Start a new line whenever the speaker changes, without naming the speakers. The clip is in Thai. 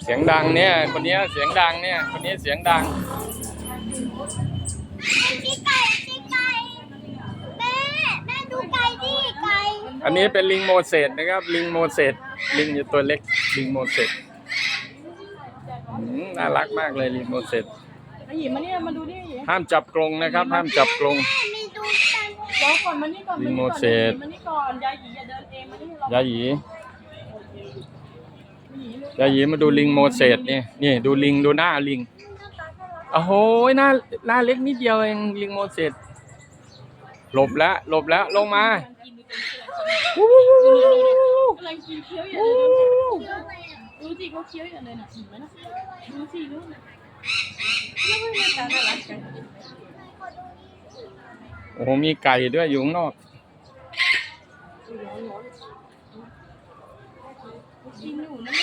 สียงดังเนี่ยคนนี้เสียงดังเนี่ยคนนี้เสียงดัง
ชี้ไก่แม่ดูไก่ดิไก่
อันนี้เป็นลิงโมเสสนะครับลิงโมเสสลิงอยู่ตัวเล็กลิงโมเสสน่ารักมากเลยลิงโมเสส
หยิบมานี่มาดูดิ
ห้ามจับกรงนะครับห้ามจับกรง
มีดูกัน
รอก่อนมานี่ก่อน
ลิงโมเสส
มานี่ก่อนยายหยีอย่าเดินเองมานี่
ยาหยียาหยีมาดูลิงโมเสสนี่ดูลิงดูหน้าลิงโอ้โหหน้าเล็กนิดเดียวเองลิงโมเสสหลบแล้วลงมาก
ำลังกินเคี้ยวอยู่ดูสิเขาเคี้ยวอยู่เลยน่ะเห็นไหมนะดูสิลูกนะแล้วไม่มาตาน่ารักกัน
โอ้โหมีไก่ด้วยอยู่ข้างนอก
กินหนูนะ